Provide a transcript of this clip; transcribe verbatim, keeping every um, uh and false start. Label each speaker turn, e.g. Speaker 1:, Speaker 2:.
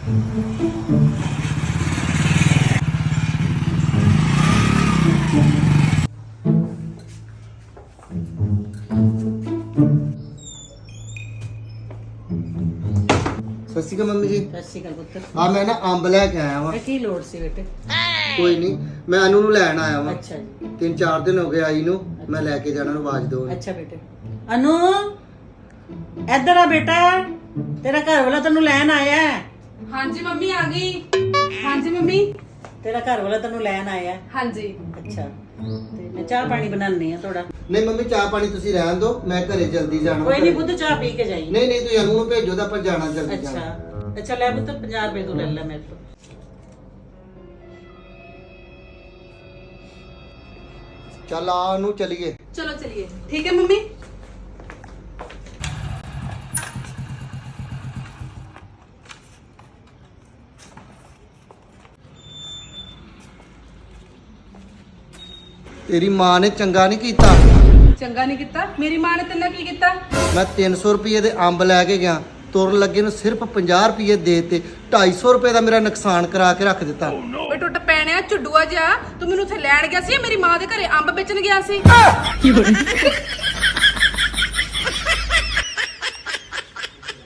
Speaker 1: ਸਤਿ ਸ਼੍ਰੀ ਅਕਾਲ ਮੰਮੀ ਜੀ।
Speaker 2: ਸਤਿ ਸ਼੍ਰੀ ਅਕਾਲ ਪੁੱਤਰ।
Speaker 1: ਆ ਮੈਂ ਨਾ ਅੰਬ ਲੈ ਕੇ ਆਇਆ ਵਾਂ।
Speaker 2: ਇਹ ਕੀ ਲੋੜ ਸੀ ਬੇਟੇ?
Speaker 1: ਕੋਈ ਨਹੀਂ, ਮੈਂ ਅਨੂ ਨੂੰ ਲੈਣ ਆਇਆ ਵਾਂ।
Speaker 2: ਅੱਛਾ ਜੀ।
Speaker 1: ਤਿੰਨ ਚਾਰ ਦਿਨ ਹੋ ਗਏ ਆਈ ਨੂੰ, ਮੈਂ ਲੈ ਕੇ ਜਾਣਾ ਨੂੰ ਆਵਾਜ਼ ਦਿਓ।
Speaker 2: ਅੱਛਾ ਬੇਟੇ। ਅਨੂ ਇੱਧਰ ਆ ਬੇਟਾ, ਤੇਰਾ ਘਰ ਵਾਲਾ ਤੈਨੂੰ ਲੈਣ ਆਇਆ ਹੈ।
Speaker 3: ਹਾਂਜੀ ਮੰਮੀ ਆ ਗਈ। ਹਾਂਜੀ ਮੰਮੀ।
Speaker 2: ਤੇਰਾ ਘਰ ਵਾਲਾ ਤੈਨੂੰ ਲੈਣ ਆਇਆ ਹੈ।
Speaker 3: ਹਾਂਜੀ।
Speaker 2: ਅੱਛਾ, ਤੇ ਮੈਂ ਚਾਹ ਪਾਣੀ ਬਣਾਉਣੀ ਆ ਥੋੜਾ।
Speaker 1: ਨਹੀਂ ਮੰਮੀ, ਚਾਹ ਪਾਣੀ ਤੁਸੀਂ ਰਹਿਣ ਦਿਓ, ਮੈਂ ਘਰੇ ਜਲਦੀ ਜਾਣਾ।
Speaker 2: ਕੋਈ ਨਹੀਂ ਪੁੱਤ, ਚਾਹ ਪੀ ਕੇ ਜਾਈ।
Speaker 1: ਨਹੀਂ ਨਹੀਂ, ਤੁਸੀਂ ਅਨੂ ਨੂੰ ਭੇਜੋ ਤਾਂ ਆਪਾਂ ਜਾਣਾ ਜਲਦੀ ਜਾਣਾ।
Speaker 2: ਅੱਛਾ ਅੱਛਾ, ਲੈ ਪੁੱਤ ਪੰਜਾਹ ਰੁਪਏ ਤੂੰ ਲੈ ਲੈ ਮੇਰੇ ਤੋਂ।
Speaker 1: ਚੱਲ ਆ ਅਨੂ ਚਲੀਏ।
Speaker 3: ਚਲੋ ਚਲਿਏ। ਠੀਕ ਹੈ ਮੰਮੀ।
Speaker 1: ਤੇਰੀ ਮਾਂ ਨੇ ਚੰਗਾ ਨਹੀਂ ਕੀਤਾ।
Speaker 3: ਚੰਗਾ ਨਹੀਂ ਕੀਤਾ? ਮੇਰੀ ਮਾਂ ਨੇ ਤੈਨੂੰ ਕੀ ਕੀਤਾ?
Speaker 1: ਮੈਂ ਤਿੰਨ ਸੌ ਰੁਪਏ ਦੇ ਅੰਬ ਲੈ ਕੇ ਗਿਆ, ਤੁਰਨ ਲੱਗੇ ਨੂੰ ਸਿਰਫ ਪੰਜਾਹ ਰੁਪਏ ਦੇ ਤੇ ਢਾਈ ਸੌ ਰੁਪਏ ਦਾ ਮੇਰਾ ਨੁਕਸਾਨ ਕਰਾ ਕੇ ਰੱਖ ਦਿੱਤਾ।
Speaker 3: ਓਏ ਟੁੱਟ ਪੈਣਿਆ ਝੁੱਡੂਆ ਜਾ, ਤੂੰ ਮੈਨੂੰ ਉੱਥੇ ਲੈਣ ਗਿਆ ਸੀ, ਮੇਰੀ ਮਾਂ ਦੇ ਘਰੇ ਅੰਬ ਵੇਚਣ ਗਿਆ ਸੀ।